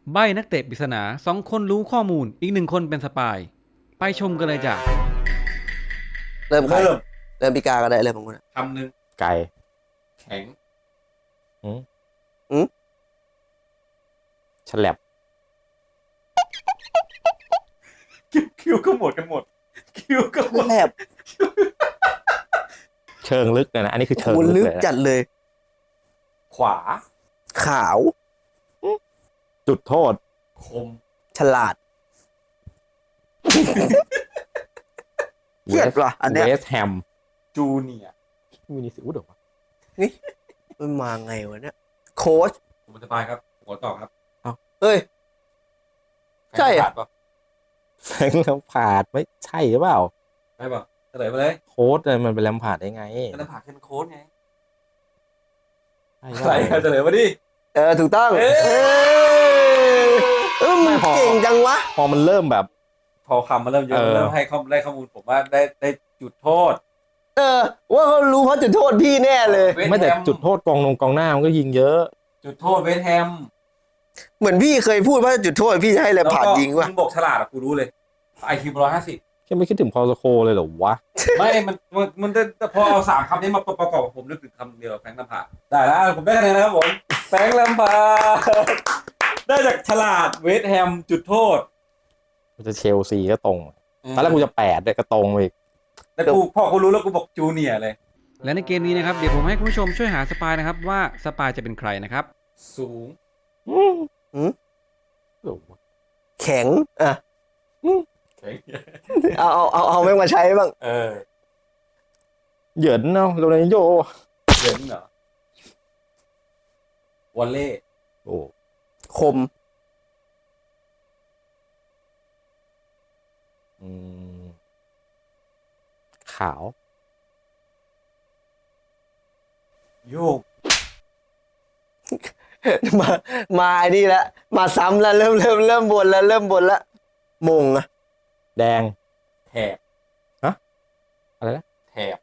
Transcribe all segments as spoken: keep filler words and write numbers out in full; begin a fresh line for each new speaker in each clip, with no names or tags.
ใบ้นักเตะปริศนาสองคนรู้ข้อมูลอีกหนึ่งคนเป็นสปายไปชมกันเลยจ้ะ
เริ่มใคร
เริ่ม
เริ่มพิการก็ได้เริ่มของคุณอะ
คำหนึ่ง
ไก่
แข็ง
ฉลับ
คิวคิวก็หมดกันหมดคิวก็หมด
แลบ
เชิงลึกเลยนะอันนี้คือเชิง
คุณ
ลึ
ลึ
ก
ก
เลยนะ
จัดเลย
ขวา
ขาว
จุดโทษ
คม
ฉลาดเครียดว่ะอันเนี้ย
เวสแฮม
จูเนียร์
มินิสิอุดเหรอวะ
มันมาไงวะเนี่ยโค้ช
ผมเป็นสปายครับหัวต่อครับ
เฮ้ย ใช่อะ
ขาดปะ
แฟรงค์แลมพาร์ดไม่ใช่หรือเปล่า
ใช่ปะเฉลยไปเลย
โค้ดเลยมันเป็นแลมพาร์ดได้ไง
ก็ต้องผ่าแค่เป็นโค้ดไง
ใช่
อะไรครับเฉลยมาดิ
เออถูกต้อง
เอ้ย
เออเออมึงเก่งจังวะ
พอมันเริ่มแบบ
พอคำมาเริ่มเยอะ
เออ
เริ่มให้ข้อมูลได้ข้อมูลผมว่าได้ได้จุดโทษ
เออ ว่าเขารู้เขาจะโทษพี่แน่เลย
เวส
ไม่แต่
แฮม
จุดโทษกองนงกองหน้ามันก็ยิงเยอะ
จุดโทษเวสต์แฮม
เหมือนพี่เคยพูดว่าจุดโทษพี่จะให้แลมพาร์ดยิงว่ะ
มึงบอกฉลาดอะกูรู้เลยไอคิวร้อยห้าสิบ
แค่ไม่คิดถึงพอลโคเลยเหรอวะ
ไม่มันมันมันจะพอเอาสามคำนี้มาประกอบกับผมนึกถึงคำเดียวแฟรงค์ลำพาร์ดได้แล้วผมได้คะแนนนะครับผมแฟรงค์ลำพาร์ดได้จากฉลาดเวสต์แฮมจุดโทษ
มันจะเชลซีก็ตรงตอนแรกกูจะแปดเลยก็ตรงไปอีก
แต่กูพอกูรู้แล้วกูบอกจูเนียร์เลย
และในเกมนี้นะครับเดี๋ยวผมให้คุณผู้ชมช่วยหาสปายนะครับว่าสปายจะเป็นใครนะครับ
สูง
หรอวะ
แข็งอ่ะ
แข็ง
เอาเอาเอาเอาแม่งมาใช้บ้าง
เออ
เหยินเนาะโรนัลโย
เหยินเหรอวอลเล่
โอ้
คม
อืมขาว
โยก
มามาไอ้นี่ละมาซ้ำแล้วเริ่มเริ่มเริ่มบนแล้วเริ่มบนแล้วมงอะ
แดง
แถบ
อะไรนะ
แถบ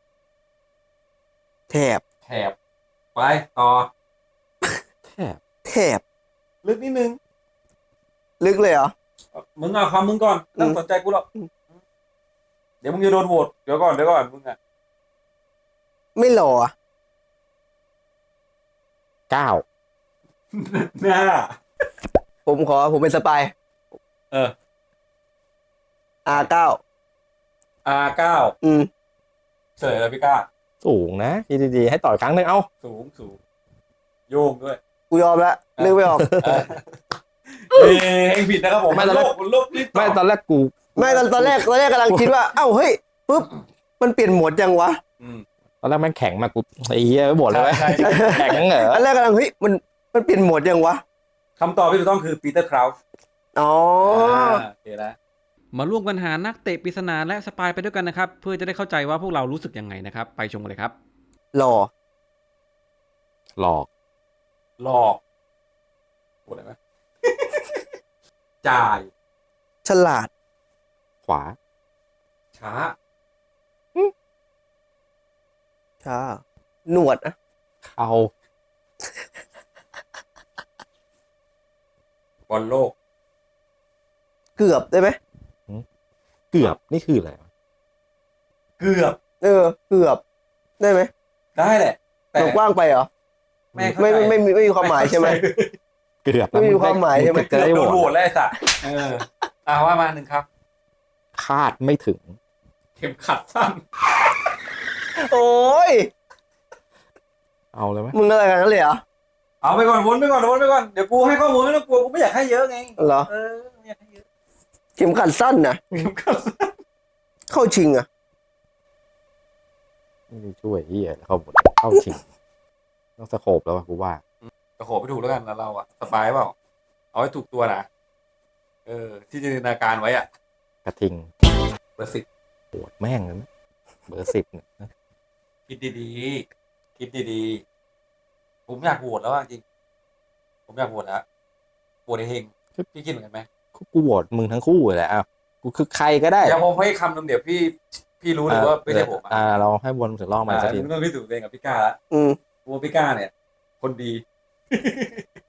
แถบ
แถบไปต่อ
แทบ
แถบ
ลึกนิดนึง
ลึกเลยเหรอ
มึงเอาคำมึงก่อนไม่ต้องสนใจกูหรอกเดี๋ยวมึงจะโดนโหวตเดี๋ยวก่อนเดี๋ยวก่อนมึงอะ
ไม่หล่ออะ
เก้า
หน้า
ผมขอผมเป็นสปาย
เออ
อาเก้า
อาร์เก้า
อืม
เฉลยเลยพี่ก้า
สูงนะคิดดีๆให้ต่อยครั้งหนึ่งเอ้า
สูงสูงโยงด้วย
กูยอมละนึกไม่ออก
เออเอ้ยเองผิดนะครับผมมันโลกมันโลกรีบ
ไม่ตอนแรกกู
ไม่ตอนตอนแรกตอนแรกกำลังคิดว่า เอ้าเฮ้ยปุ๊บมันเปลี่ยนโหมดยังวะ
อืม
ตอนแรกแม่งแข็งมากกูไอ้เหี้ยไม่บ่นเลย
ใช่ใช่
แข็งเหรอ
อันแรกกำลังเฮ้ยมันมันเปลี่ยนโหมดยังวะ
คำตอบที่ถูกต้องคือปีเตอร์คราวส์
อ๋อ
โอเคนะ
มาร่วมกันหานักเตะปริศนาและสปายไปด้วยกันนะครับเพื่อจะได้เข้าใจว่าพวกเรารู้สึกยังไงนะครับไปชมกันเลยครับ
หล่อ
หลอก
หลอกพูดอะไรไหม จ่าย
ฉลาด
ขวา
ช้า
ช้าหนวดอะ
เข่า
บอลโลก
เกือบได้ไหม
เกือบนี่คืออะไรวะ
เกือบ
เออ เกือบได้ไหม
ได้แหละ แต่
มันกว้างไปเหรอ
ไม่เข้า
ไม่
ใจ
ไม่ไม่ไม่ไม่มีความหมายใช่ไหม
เกือบ
ไม่มีความหมายใช่ไหม
จะ
เกือบ
ได้
โด
โห
นโหว
ว
ต
ต
แล้วไอ้สัสเอออ่าว่ามาหนึ่งครับ
คาดไม่ถึง
เข็มขัดสั้น
โอ้ย
เอาเลยไหม
มึงอะไรกันนั่นเลยเหรอ
เอาไปก่อนวนไปก่อนวนไปก่อนเดี๋ยวกูให้ข้อมูลไม่ต้องกลัวกูไม่อยากให้เยอะไง
เหรอ
เออไม่อยากให้เยอะ
เข็มขัดสั้นนะ
เข็มขัดสั้น
เข้าชิงอะ
ไม่ได้ช่วยเหี้ยเข้าบทเข้าชิงต้องสโคปแล้ววะกูว่า
กระโขบไปถูกแล้วกันแล้วเราอะสบายเปล่าเอาให้ถูกตัวนะเออ ที่จินตนาการไว้อะ
กระทิง
เบอร์สิบ
ปวดแม่งเลยนะเบอร์สิบเนี่ยนะ
คิดดีๆคิดดีๆผมอยากโหวตแล้วอะจริงผมอยากโหวตแล้วโหวตไอ้เฮงพี่คิดเหมือนกันไหม
กูโหวตมึงทั้งคู่เลยแหละอ้าวกูคือใครก็ได้
เดี๋ยวผมให้คำหนึ่งเดี๋ยวพี่พี่รู้เลยว่าไม่ใช่ผมอะ
อ่าเราให้วนถึงรอบมา
อ่า
สักที
มึงต้องพิสูจน์ตัวเองกับพี่ก้าละ
อืม
กูว่าพี่ก้าเนี่ย คนดี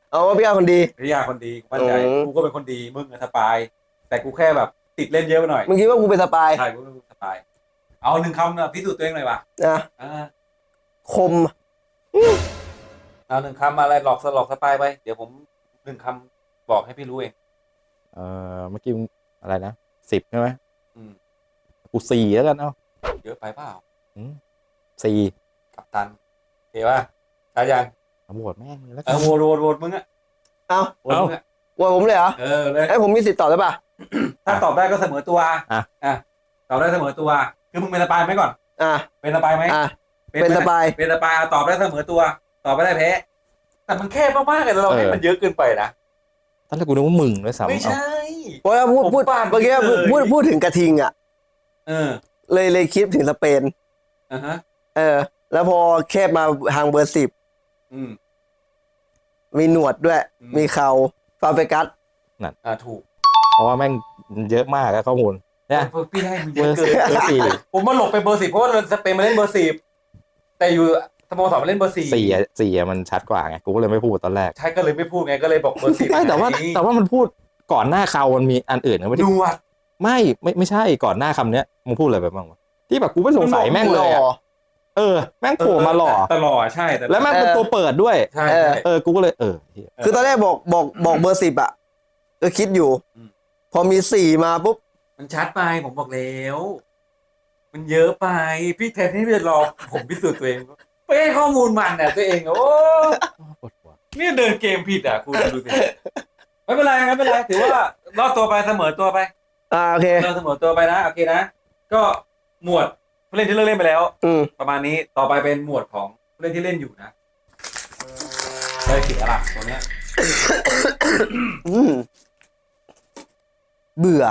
เอาว่าพี่อาคนดี
พี่ยาคนดีกูมั่นใจ
อืม
กูก็เป็นคนดีมึงอะสปาย แต่กูแค่แบบติดเล่นเยอะไปหน่อย
มึงคิดว่ากูเป็นสปาย
ใช่กูเป็นสปาย เอาหนึ่งคำนะพิสูจน์ตัวเองหน่อยว่ะ
นะ
อ่า
คม
เอาหนึ่งคำอะไรหลอกสหลอกสปายไปเดี๋ยวผมหนึ่งคำบอกให้พี่รู้เอง
เออเมื่อกี้มึงอะไรนะสิบใช่ไหม
อืม
กูสี่แล้วกันเอ้า
เยอะไปเปล่า
อืมสี่
กัปตันโอเคป่ะใช่ยัง
เอาโหวตแม่งเลยแล้ว
เอ
กั
อน โหวตโหวตโหวตมึงอะ
เอา
โหวตมึงอะ
ว่าผมเลยเหรอ
เออเลย
ไอ้ยผมมีสิทธิ์ตอบได้ป่ะ
ถ้าตอบได้ก็เสมอตัวอ่ะตอบได้เสมอตัว คือมึงเป็นสปายไหมก่อน
อ่ะ เป็น
เป็นสปายไหม
อ่ะ เป็นสปาย
เป็นสปายอ่ะตอบได้เสมอตัว ตอบไม่ได้แพ้ แต่มันแคบมากๆเลยเราให้มันเยอะเกินไปนะ
ตอนแรกกูนึกว่ามึงด้วยซ้ำ
ไม่
เอา
ใช่
เพราะว่าพูดพูด
ผมปาด
เมื่อกี้พูด
เลย
พูดพูดถึงกระทิงอ่ะ
เออ
เลยเลยคิดถึงสเปน
อ่าฮะ
เออ แล้วพอแคบมาทางเบอร์สิบ
อืม
มีหนวดด้วย
อืม
มีเขาฟาเบกัส
อ่าถูก
เพราะว่าแม่งเยอะมากอะข้อมูลเนี่ย
เบอร์พี่ให้มึง
เบ
เย
อ
อะ
ร์
เกิน
เบอร์สี่
ผมมาหลบไปเบอร์สิบเพราะว่าสเปนมาเล่นเบอร์สิบแต่อยู่สโมสรมาเล่นเบอร์สี่
สี่อะสี่อะมันชัดกว่าไงกูก็เลยไม่พูดตอนแรก
ใช่ก็เลยไม่พูดไงก็เลยบอกเบอร์สิบ
ไม่แต่ว่าแต่ว่ามันพูดก่อนหน้าเขามันมีอันอื่นนะไม่
หน
ได้
วด
ไม่ไม่ไม่ใช่ก่อนหน้าคำเนี้ยมึงพูดอะไรไปบ้างวะที่แบบกูไม่สงสัยแม่งเลยอะเออแม่งโผล่มาหล่อ
แต่หล่อใช่แต่
แล้วแม่งเป็นตัวเปิดด้วย
ใช่
เออ
ใช่
เออกูก็เลยเออเหี้ย
คือตอนแรกบอกบอกบอกเบอร์สิบอ่ะ ก็คิดอยู่
อืม
พอมีสี่มาปุ๊บ
มันชัดไปผมบอกแล้ว มันเยอะไปพี่แทนที่จะรอผมพิสูจน์ตัวเองไปให้ข้อมูลมันน่ะตัวเองอะโอ้
ปวดหัว
เนี่ยเดินเกมผิดอ่ะคุณดูสิไม่เป็นไรไม่เป็นไรถือว่ารอดตัวไปเสมอตัวไป
อ่าโอเค
เราเสมอตัวไปนะโอเคนะก็หมวดผู้เล่นที่เลิกเล่นไปแล้ว
อืม
ประมาณนี้ต่อไปเป็นหมวดของผู้เล่นที่เล่นอยู่นะเลยผิดอะไรตัวเนี้ย
อืมเบื่อ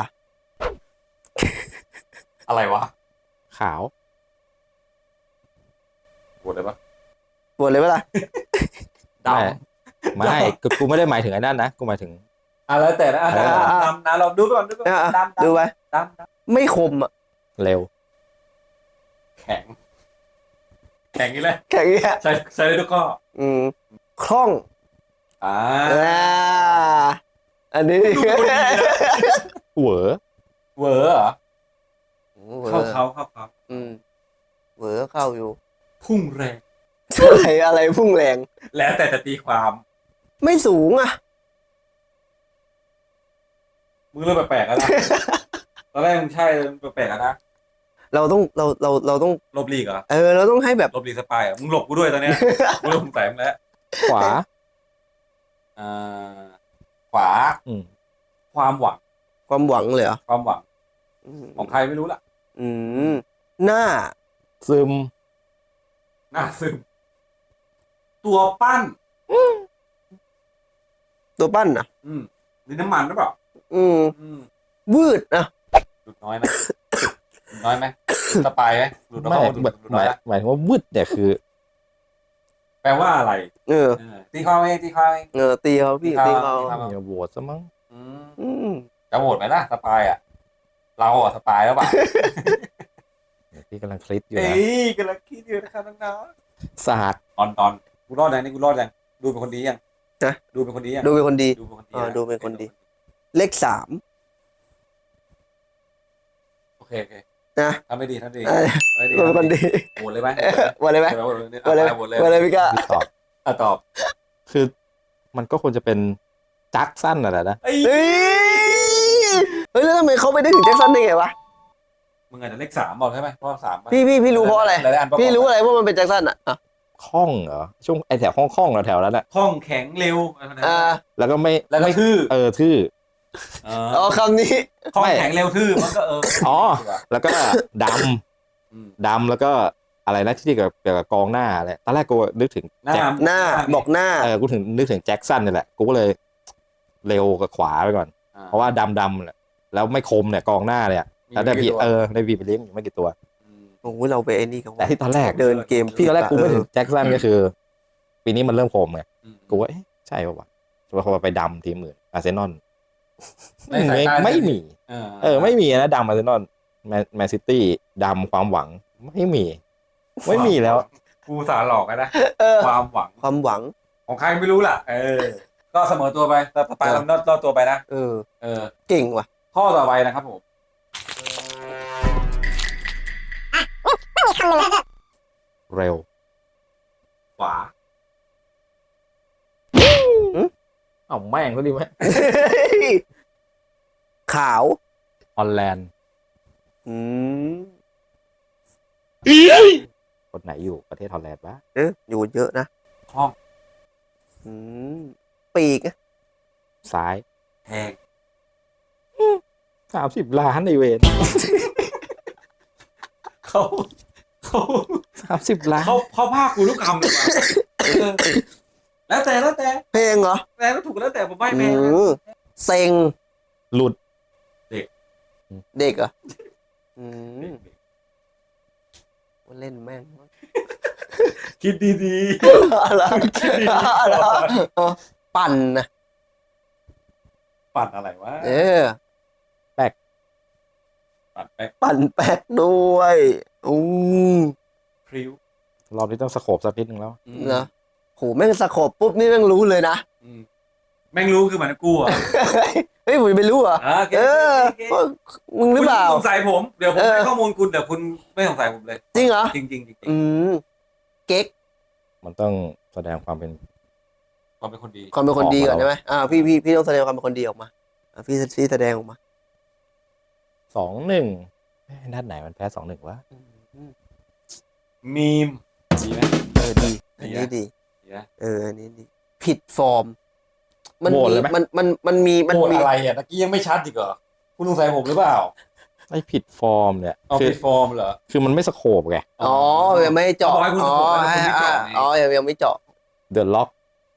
อะไรวะ
ขาว
ปวดเลยปะ
ปวดเลยเวลา
ด
ไม่ไม่กูกูไม่ได้หมายถึงไอ้นั่นนะกูหมายถึง
ำอะไรแต่นะอ่ะ
อ่าอ่า
ดำนะเราดูก่อนดูก่อน
อ่ะ
ดำ
ดูไว้
ดำดำ
ไม่คมอ่ะ
เร็ว
แข็ง แข็งนี่แหละ
แค่นี้ย
ใช้ใช้ได้ทุกข้อ
อืมคล่อง
อ่า
อ่าอันนี้
ดูคนดีนะ
เหวอ
เวอร์เหรอ
เหวอ
เข้าเขาเข้าเขา
อืมเหวอเข้าอยู่
พุ่งแรง
อะไรอะไรพุ่งแรง
แล้วแต่จะตีความ
ไม่สูงอ่ะ
มึงเริ่มแปลกๆแล้วนะ ตอนแรกมึงใช่แปลกๆแล้วนะ
เราต้องเราเราเราต้อง
ลบลีกเหรอ
เออ เราต้องให้แบบ
ลบลีกสปายเหรอมึงหลบกูด้วยตอนเนี้ย กูเริ่มสงสัยมึงแล้ว
ขวา
อ่าขวา
อืม
ความหวัง
ความหวังเลยเหรอ
ความหวัง
อืม
ของใครไม่รู้ล่ะ
อืมหน้า
ซึม
หน้าซึมตัวปั้น
ตัวปั้นอ่ะ
อืมดินน้ำมันหรือเปล่า
อืม
อืม
วืดอ่ะ
หลุดน้อยไหมหลุดน้อยไหมสปายไหมหลุดน้
ไม่
อยหลุด
หมาย
หลุด
ห
น้อ
มาย ย
นะ
หมายถึงว่าวุดเนี่ยคือ
แปลว่าอะไร
เออ
เออตีความเองตีความเอง
เออตีเขาพี่
ตี
ตี
เขา
เขา
ตี
อย่าโหวตซะมั้ง
อืม
อืม
จะโหวตไหมล่ะสปายอ่ะ เราอ่ะสปายแล้วป่ะ
เดี๋ยวพี่กำลังคลิกอยู่
เอ้
นะ
ยกำลังคิดอยู่นะครับน้อง
ศาสตร์
ๆตอนตอนกูรอดยังนี่กูรอดยังดูเป็นคนดียัง
นะ
ดูเป็นคนดียัง
ดูเป็นคนดี
ดูเป็นคนดี
อ่า
นะ
ดูเป็นคนดี เลขสาม
โอเคโอเค
นะ
ทำไม่ดีทำไม่ดี
เออ
ทำไม่ดี
ดูเป็นคนดี
โหวตเลยไหม
วันเลยไหม
โหวตเลย
วันเลยไหม
โหวตเลย
วันเลยพี่ก้า
พี่ตอบ
อ่ะตอบ
คือมันก็ควรจะเป็นจักสั้นน่ะแหละนะ
เอ้ย
เฮ้ยเฮ้ยแล้วทำไมเขาไปได้ถึงแจ็คสันได้ไงวะ
มึงอาจจะเลขสามบอกใช่ไหมเพราะสามปะ
พี่พี่พี่รู้เพราะอะไร
หลายๆอันประกอบ
พี่รู้อะไรว่ามันเป็นแจ็คสันอ่ะอ่ะ
คล่องเหรอช่วงไอแถวห้องคล่องๆแถวๆนั้นแหละ
คล่องแข็งเร็วอะไรแบบนั้น
อ่า
แล้วก็ไม่
แล้วก็
ไม่
ทื่อ
เออทื่อ
เอ
อ๋อ
อ
คำนี้
คล่อง
ไม่
แข็งเร็วทื่อมันก็เออ
อ๋อ
ดีกว่า
แล้วก็ด
อืม
ำดำแล้วก็อะไรนะที่เกี่ยวกับเกี่ยวกับกองหน้าอะไรตอนแรกกูนึกถึง
หน้า
แจ็ค
หน้าบอกหน้า
เออกูถึงนึกถึงแจ็คสันนี่แหละกูก็เลยเร็วกับขวาไปก่อน
อ่
เพราะว่าดำดำแหละแล้วไม่คมเนี่ยกองหน้าเนี่ย
มี
แล้วได้
ไม่กี่
พี่
ตัว
เออได้พี่ไปเลี้ยงอยู่ไม่กี่ตัว
อืม
โอ้โหเราไปไอ้นี่กัน
แต่ที่ตอนแรก
เดินเกม
พี่ตอนแรกกูไม่ถึง
เออ
แจ็คสันก็คือ ปีนี้มันเริ่มคมไง
อืม
กูว่าเอ๊ะใช่ป่าวะจะว่าเขาไปดำทีมอื่นอาร์เซนอล
ในสาย
ไม่
ตา
ไม่มี
เออ
เออไม่มีนะดำอาร์เซนอลแมนแมนซิตี้ดำความหวังไม่มี ไม่มีแล้ว
กูสารหลอกกันนะ
เออ
ความหวัง
ความหวัง
ของใครไม่รู้ล่ะ เออ ก็ก็เสมอตัวไปแต่ไปเราลอดตัวไปนะ
เออ
เออ
เก่งว่ะ
ข้อต่อไปนะครับผม
เร็ว
ขวา
เอ้าแม่งก็ดีไหม
ขาว
ฮอลแลนด์
อืม
คนไหนอยู่ประเทศฮอลแลนด์วะ
เอออยู่เยอะนะ
ห้อง
อืมปีกอะ
ซ้าย
แพง
สามสิบล้านในเวน
เขาเขา
สามสิบล้าน
เขาเขาภาคกูทุกคำเลยว่ะเออแล้วแต่แล้วแต่
เพลงเหรอ
แต่ก็ถูกแล้วแต่ผมไม่
อื
แพงนะ
มเซ็ง
หลุด
เด็กเหรออืมเล่นแม่ง
คิดดี
อะไรอะไรปั่นนะ
ๆ ปั่นอะไรวะ
เออ
ปั่นแป๊ก
ปั่นแป๊กด้วยอืม
พริ้ว
รอบนี้ต้องสโคบสักนิดนึงแล้ว
อืม
เหรอโหแม่งสะขบปุ๊บนี่แม่งรู้เลยนะ
อืมแม่งรู้คือเหมือนกูอ่ะ
เฮ้ยผมไม่รู้เหรอ่ะ
อ่าโอเค
เออ
โอเคโอเค
ว่ามึงหรือเปล่า
คุณสงสัยผม เดี๋ยวผม
เออ
ให้ข้อมูลคุณแต่คุณไม่สงสัยผมเลย
จริงเหรอ
จริงจริงจริง
อืมเก๊ก
มันต้องแสดงความเป็น
ความเป็นคนดี
ความเป็นคนดีก่อน
ออกมา
ใช่ไหมอ่าพี่พี่พี่ต้องแสดงความเป็นคนดีออกมาอ่าพี่พี่แสดงออกมา
สองหนึ่งด้านไหนมันแพ้สองหนึ่งวะ
อืม
มีมดีไหม
เออดีอันนี้ดี
ดีนะ
เอออันนี้ดี ผิดฟอร์ม มัน
โหวต
มี
เลยไหม
มันมันมันมีมัน
โหด
มี
อะไรอ่ะตะกี้ยังไม่ชัดอีกเหรอคุณสงสัยผมหรือเปล่า
ไอ้ผิดฟอร์มเนี่ย
เอา
คือ
ผิดฟอร์มเหรอ
คือมันไม่สโคบไง
อ๋อยังไม่เจาะ
เขาบอกให้คุณ
อ๋อ
สะกดแต่คุณไม่เจาะ
อ่า
ไง
อ๋อยังยังไม่เจาะ
เดอะล็อก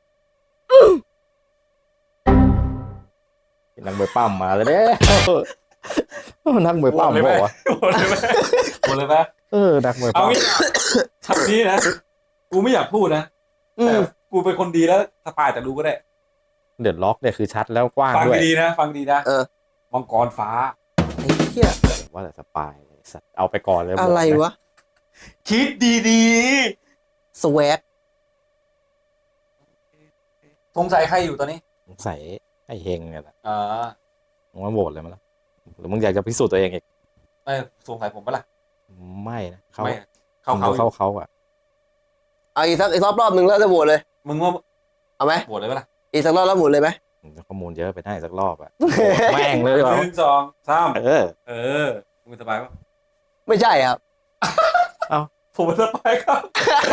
นักมวยปั้มมาเลยเด้ นักมวยปั้มบอกว่า
โหดเลยไหมโหดเลยไหม
เออนักมวย
เอา
ปั้ม
งี้คำนี้นะ กูไม่อยากพูดนะ
อื
แต่
ม
กูเป็นคนดีแล้วสปายแต่รู้ก็ได้
เดอะล็อกเนี่ยคือชัดแล้วกว้าง
ฟัง
ด้วย
ดีๆนะ ฟังดีนะ
เออ
มังกรฟ้า
ไอ้เหี้ย
ว่าแต่สปายเลยสัตว์เอาไปก่อนเลย
อะไร
บอกน
วะ
คิดดี
สวก
ๆสงสัยใครอยู่ตอนนี้
สงสัยไอ้เฮงเนี่ยแหละ
อ่า
มึงว่าโหวตเลยมั้ยล่ะหรือมึงอยากจะพิสูจน์ตัวเองอีก
ไม่สงสัยผมปะล่ะ
ไม่นะเขา
ไม่เขา
เขา
เขา
เขาเขาอ่ะ
เอาอีกสักอีกรอบรอบหนึ่งแล้วจะโหวตเลย
มึงว่า
เอาไหม
โหวตเลยปะล่ะ
อีกสักรอบแล้วโหวตเลยไหม
ข้อมูลเยอะไปได้สักรอบอ่ะ แม่งเลยเหรอ
หนึ่งสองสาม
เออ
เออมึงสบายปะ
ไม่ใช่ครับ
ผมสบายครับ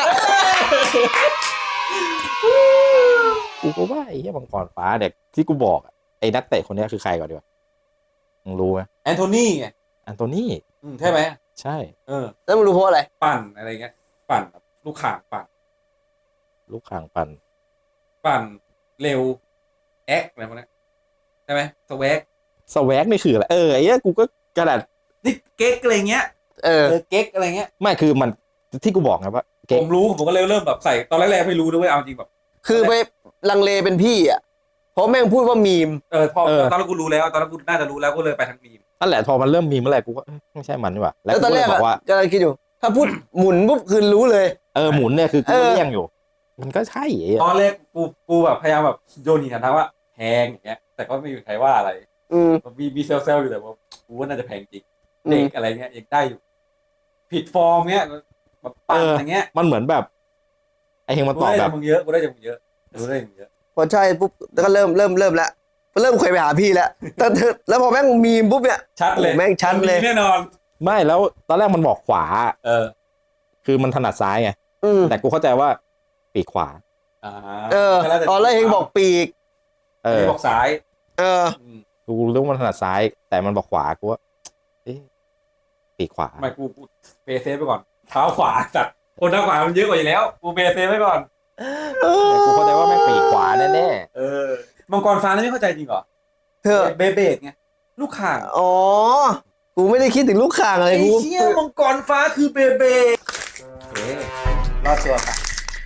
กูก็ว่าไอ้เหี้ยมังกรฟ้าเด็กที่กูบอกอะไอ้นักเตะคนเนี้ยคือใครก่อนดีกว่ามึงรู้ไหม
แอนโทนีไง
อันโตนี่
อืมใช่ไหม
ใช่
เออ
แล้วมึงรู้เพราะอะไร
ปั่นอะไรเงี้ย ปั่นแบบลูกข่างปั่น
ลูกข่างปัน
ปั่นเร็วแอคอะไรพวกนี้ใช่ไหมสวก
สแวกนี่คืออะไรเออไอ้เหี้ยกูก็กระดาษ
นี่เก๊กอะไรเงี้ย
เออ
เออเก๊กอะไรเงี้ย
ไม่คือมันที่กูบอกไงว่าเก่
ผ
ง
มรู้ผมก็เลยเริ่มแบบใส่ตอนแรกๆไม่รู้ด้วยเอาจริงแบบ
คือไปลังเลเป็นพี่อ่ะ เพราะแม่งพูดว่ามีม
เออพอตอนแรกกูรู้แล้วตอนแรกกูน่าจะรู้แล้วก็เลยไปทางมีม
นั่นแหละพอมันเริ่มมีเมื่อไหร่กูก็เอ้ยไม่ใช่มันนี่หว่าแล้ว
แล้ว
กู
ตอน
ก็
แร
เลย
ก
บ
อะ
อกว่า
กำลังคิดอยู่ ถ้าพูดหมุนปุ๊บคือรู้เลย
เออหมุนเนี่ยคือกู
เออ
เลี่ยงอยู่ มันก็ใช่ไอ้เหี้ย
ตอนแรกกูกูแบบพยายามแบบโยนหินถามทางว่าแพงอย่างเงี้ย แต่ก็ไม่มีใครว่าอะไร
อืม
มีมีเซลเซลอยู่แต่ว่ากูว่าน่าจะแพงจริง
อื
เด็
ม
กอะไรเงี้ยยังได้อยู่ ผิดฟอร์มเงี้ยแบบปั่นอย่างเงี้ย
มันเหมือนแบบไอ้เฮงมัน
กู
ตอบ
ได้
แบ
จาก
บ
มึงเยอะกูได้จากมึงเยอะกูได้จากมึงเยอะ
พอใช่ปุ๊บแล้วก็เริ่มเริ่มเริ่มแล้วเริ่มเคยไปหาพี่แล้วแต่แล้วพอแม่งมีมปุ๊บเนี่ย
ชัดเลย
โอ้แม่งชัดเลย
แน่นอน
ไม่แล้วตอนแรกมันบอกขวา
เออ
คือมันถนัดซ้ายไง
อืม
แต่กูเข้าใจว่าปีกขวา
อ่า
เออตอนแรกเองบอกปีก
เอ
เอ
อ
บอกซ้าย
เออ
อืม
กูรู้ว่ามันถนัดซ้าย แต่มันบอกขวากูว่าเอ๊ะปีกขวา
ไม่กูกูเปย์เซฟไปก่อนเท้าขวาจัดคนเท้าขวามันเยอะกว่าอยู่แล้วกูเปย์เซฟไปก่อน
แต่กูเข้าใจว่าแม่งปีกขวาแน่
เออมังกรฟ้านี่ไม่เข้าใจจริงเหรอ
เธอ
เบเบดไงลูกข่าง
อ๋อ กูไม่ได้คิดถึงลูกข่างอะไร
ไอ้
กู
เชี่ยมังกรฟ้าคือเบเบดโอเครอดตัวค่ะ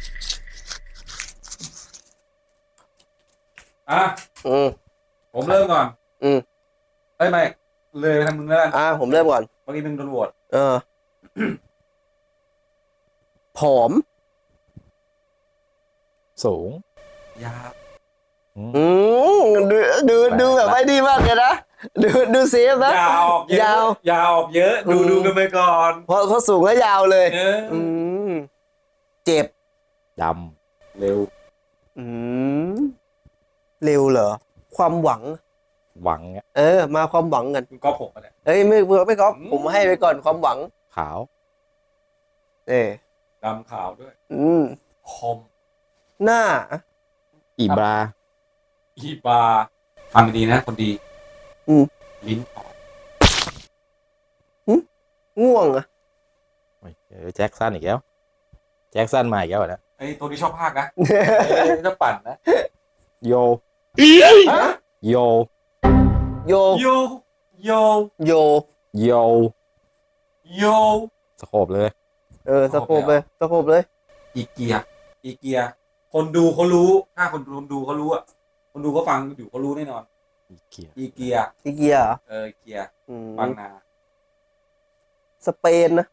อ่ะ
อืม
ผมเริ่มก่อน
อืม
เอ้ยไม่เลยไปทางมึงแล้วกัน
อ่าผมเริ่มก่อน
เมื่อกี้มึงโดนโหวต
เออ ผอม
ๆสูง
ยา
อืม
อืดูดูแบบไม่ดีมากเลยนะดูดูเซฟนะ
ยาวออกเยอะ
ยาว
ยาวออกเยอะ ดู
อืม
ดูกันไปก่อน
เพราะเขาสูงและยาวเลย
เออ
อืมเจ็บ
ด
เร็ว
อืมเร็วเหรอ ความหวัง
ำหวังเนี่ย
เออ มาความหวังกัน
คุณก๊อฟผมมาเนี่ย
เอ้ยไม่ไม่ก๊อฟ
อืม
ผมให้ไปก่อนความหวัง
ขาว
เออ
ดำขาวด้วย
อืม
คม
หน้า
อีบรา
อีบาฟังดีๆนะคนดี
อืม
ลิ้นออก
ง่วงอะ
โอ้ยเออแจ็คสันอีกแล้วแจ็คสันมาอีกแล้วเหรอ
ไอ้ตัวนี้ชอบภาคนะเอ้ยชอบปั่นนะ
โย
ฮะ
โย
โย
โยโย
โย
โย
โย
สโคบเลย
เออสะโพกเลยสะโพกเลย
อีเกียอีเกีย คนดูเขารู้ ถ้าคนดูคนดูเขารู้อะคนดูเขาฟังอยู่เขารู้แน่นอน
อีเกีย
อีเกีย
อีเกียเหรอ
เอออีเกีย
อืม
บางนา
สเปนนะ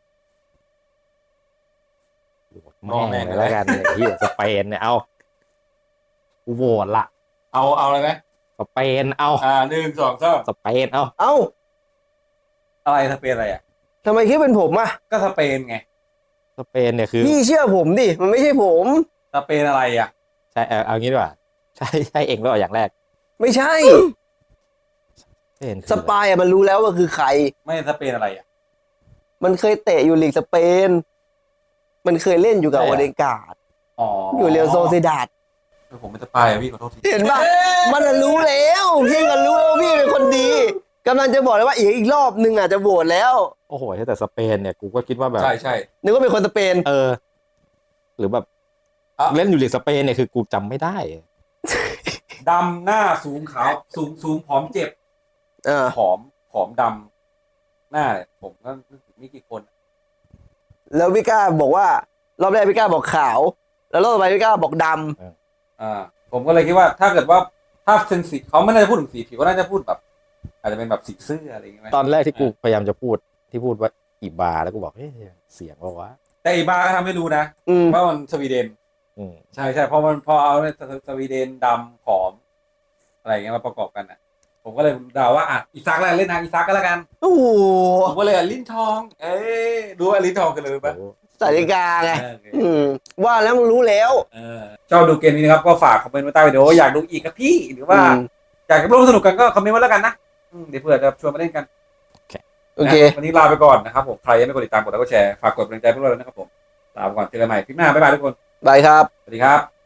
โหวตแม่งเลยแล้วกันเนี่ยที่สเปนเนี่ยเอากูโหวตละ
เอาเอาอะไรไหม
สเปนเอา
อ่าหนึ่งสองสาม
สเปนเอา
เอ้า
อะไรสเปนอะไรอ่ะ
ทำไมคิดเป็นผมอะ
ก็สเปนไง
สเปนเนี่ยคือ
พี่เชื่อผมดิ มันไม่ใช่ผม
สเปนอะไรอ่ะ
ใช่เอาเอางี้ดีกว่าใช่ใช่เองแล้วเหรออย่างแรก
ไม่ใช่
สเปนคือ
สปายอะมันรู้แล้วว่าคือใคร
ไม่สเปนอะไรอ่ะ
มันเคยเตะอยู่ลีกสเปน มันเคยเล่นอยู่กับโอเดนการ์ด
อ๋อ
อ
อยู่
เรียวโซเซดาด
ผมไม่สปายอะพี่ขอโทษที
เห็นปะมันน่ะรู้แล้วพี่ก็รู้แล้วว่าพี่เป็นคนดีกำลังจะบอกเลยว่าอีกอีกรอบนึงอาจจะโหวตแล้ว
โอ้โหแต่สเปนเนี่ยกูก็คิดว่าแบบ
ใช่ใช่
นึกว่าเป็นคนสเปน
เออ หรือแบบ
อ่ะ
เล่นอยู่ลีกสเปนเนี่ยคือกูจำไม่ได้
ดำหน้าสูงขาวสูงสูงผอมเจ็บ
เออ
ผอมผอมดำหน้าเนี่ยผมก็นึกถึงไม่กี่คน
แล้วพี่ก้าบอกว่ารอบแรกพี่ก้าบอกขาว แล้วรอบต่อไปพี่ก้าบอกดำ
อ่า ผมก็เลยคิดว่าถ้าเกิดว่าถ้าเซนสีเขาไม่น่าจะพูดถึงสีผิวก็น่าจะพูดแบบ อาจจะเป็นแบบสีเสื้ออะไรอย่างเงี้ยไหม
ตอนแรกที่กูพยายามจะพูดที่พูดว่าอีบาแล้วกูบอกเฮ้ยเสียงว่าวะ
แต่อีบาร์ก็ทำให้รู้นะ
อืม
ว่ามันสวีเดน
อืม
ใช่ใช่พอมันพอเอาเนี่ยสสวีเดนดำผอม อะไรอย่างเงี้ยมาประกอบกันอ่ะ ผมก็เลยเดาว่าอ่ะอีซักแล้วเล่นทางอีซักก็แล้วกัน
โอ้โห
ผมก็เลยอ่ะลิ้นทอง เอ้ยดูว่าลิ้นทองกันเลยปะ
โอ้
สาริกาไง
เออโอเค
อืม ว่าแล้วมึงรู้แล้ว
เออชอบดูเกมนี้นะครับก็ฝากคอมเมนต์ไว้ใต้วิดีโออยากดูอีกครับพี่หรือว่า
อืม
อยากจะร่วมสนุกกันก็คอมเมนต์ไว้แล้วกันนะอืมเดี๋ยวเผื่อจะชวนมาเล่นกัน
โอเค
นะวันนี้ลาไปก่อนนะครับผมใครยังไม่กดติดตามกดไลค์กดแชร์ฝากกดกำลังใจพวกเราด้วยนะครับผมลาไปก่อนเจอกันใหม่คลิปหน้าบ๊ายบายทุกคน
บายครับ
สวัสดีครับ